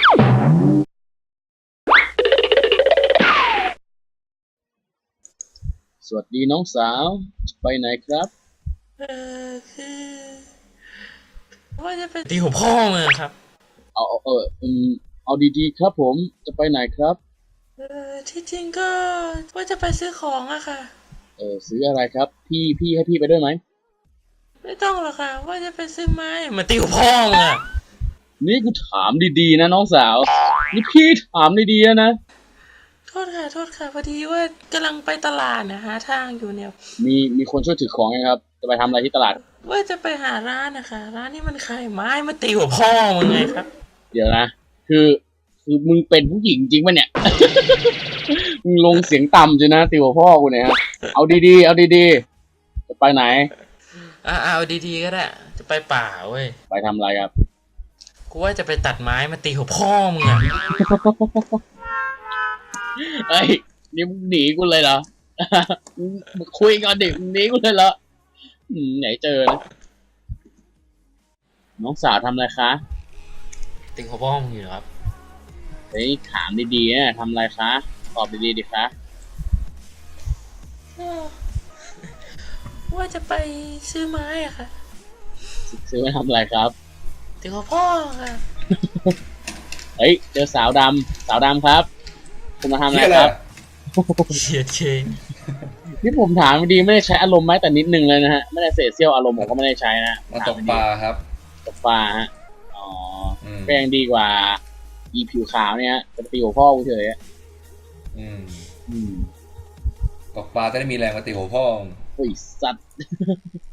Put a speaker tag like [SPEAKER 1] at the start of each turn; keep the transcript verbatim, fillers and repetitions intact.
[SPEAKER 1] สวัสดีน้องสาวจะไปไหนครับ
[SPEAKER 2] เออคือว่าจะไปตีหัวพ่อมึงครับ
[SPEAKER 1] เอาเอาเอออืมเอาดีๆครับผมจะไปไหนครับ
[SPEAKER 2] เออที่จริงก็ว่าจะไปซื้อของอะค่ะ
[SPEAKER 1] เออซื้ออะไรครับพี่พี่ให้พี่ไปด้วยไหม
[SPEAKER 2] ไม่ต้องหรอกค่ะว่าจะไปซื้อไม้มาตีหัวพ่อมึงอะ
[SPEAKER 1] นี่กูถามดีๆนะน้องสาวนี่พี่ถามดีๆนะ
[SPEAKER 2] โทษค่ะโทษค่ะพอดีว่ากำลังไปตลาดนะหาทางอยู่เนี่ย
[SPEAKER 1] มีมีคนช่วยถือของไหมครับจะไปทำอะไรที่ตลาด
[SPEAKER 2] ว่าจะไปหาร้านนะคะร้านนี้มันขายไม้มาตีหัวพ่อมึงไงครับ
[SPEAKER 1] เดี๋ยวนะคือคือมึงเป็นผู้หญิงจริงปะเนี่ยมึงลงเสียงต่ำจริงนะติวพ่อกูเนี่ยฮะเอาดีๆเอาดีๆจะไปไหน
[SPEAKER 2] อ่าเอาดีๆก็ได้จะไปป่าเว้ย
[SPEAKER 1] ไปทำอะไรครับ
[SPEAKER 2] กูว่าจะไปตัดไม้มาตีหัวพ่อมึงอะ
[SPEAKER 1] เอ้ยนี่มึงหนีกูเลยเหรอมึงคุยกันดิมึงหนีกูเลยเหรออืมไหนเจอนะน้องสาวทำอะไรคะ
[SPEAKER 2] ตีหัวพ่อมึงอยู่ครับ
[SPEAKER 1] เฮ้ยถามดีๆนะทำอะไรคะตอบดีๆดิคะ
[SPEAKER 2] ว่าจะไปซื้อไม้อะค่ะ
[SPEAKER 1] ซื้อมาทำอะไรครับ
[SPEAKER 2] ตีหัวพ่อค่ะ
[SPEAKER 1] เฮ้ยเจอสาวดำสาวดำครับคุณมาทำอะไรครับ
[SPEAKER 2] เฉียดเชง
[SPEAKER 1] นี่ผมถามดีไม่ได้ใช้อารมณ์ไหมแต่นิดนึงเลยนะฮะไม่ได้เศษเสี้ยวอารมณ์ผมก็ไม่ได้ใช้นะ
[SPEAKER 3] มาตกปลาครับ
[SPEAKER 1] ตกปลาฮะอ๋อก็ยังดีกว่าอีผิวขาวเนี่ยจะตีหัวพ่อกูเฉย
[SPEAKER 3] อืม
[SPEAKER 1] อืม
[SPEAKER 3] ตกปลาจะได้มีแรงมาตีหัวพ่อ
[SPEAKER 1] โอ้ยสัตว์